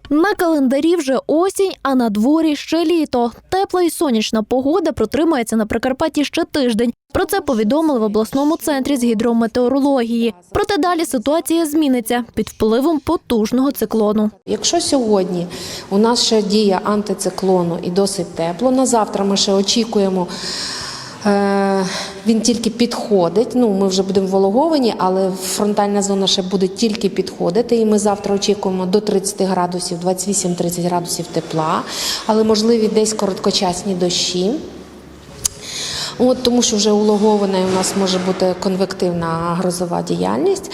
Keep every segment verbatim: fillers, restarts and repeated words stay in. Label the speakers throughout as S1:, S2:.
S1: На календарі вже осінь, а на дворі ще літо. Тепла і сонячна погода протримається на Прикарпатті ще тиждень. Про це повідомили в обласному центрі з гідрометеорології. Проте далі ситуація зміниться під впливом потужного циклону.
S2: Якщо сьогодні у нас ще дія антициклону і досить тепло, на завтра ми ще очікуємо, е, він тільки підходить, ну ми вже будемо вологовані, але фронтальна зона ще буде тільки підходити, і ми завтра очікуємо до тридцяти градусів, двадцять вісім - тридцять градусів тепла, але можливі десь короткочасні дощі. От, тому що вже улогована і у нас може бути конвективна грозова діяльність.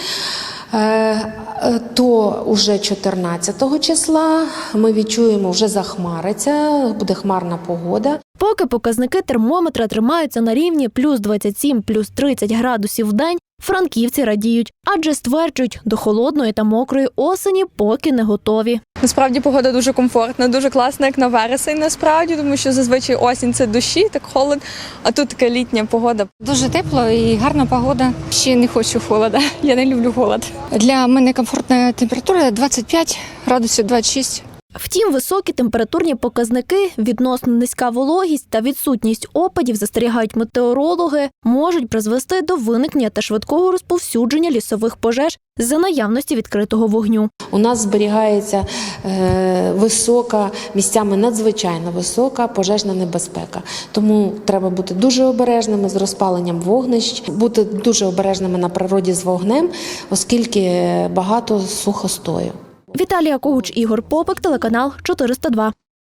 S2: То вже чотирнадцятого числа ми відчуємо, вже захмариться, буде хмарна погода.
S1: Поки показники термометра тримаються на рівні плюс двадцять сім - плюс тридцять градусів в день, франківці радіють, адже стверджують, до холодної та мокрої осені поки не готові.
S3: Насправді погода дуже комфортна, дуже класна, як на вересень насправді, тому що зазвичай осінь – це дощі, так холод, а тут така літня погода.
S4: Дуже тепло і гарна погода. Ще не хочу холода, я не люблю холод. Для мене комфортна температура двадцять п'ять градусів, двадцять шість.
S1: Втім, високі температурні показники, відносно низька вологість та відсутність опадів, застерігають метеорологи, можуть призвести до виникнення та швидкого розповсюдження лісових пожеж за наявності відкритого вогню.
S2: У нас зберігається е, висока, місцями надзвичайно висока пожежна небезпека. Тому треба бути дуже обережними з розпаленням вогнищ, бути дуже обережними на природі з вогнем, оскільки багато сухостою.
S1: Віталія Когуч, Ігор Попик, телеканал чотириста два.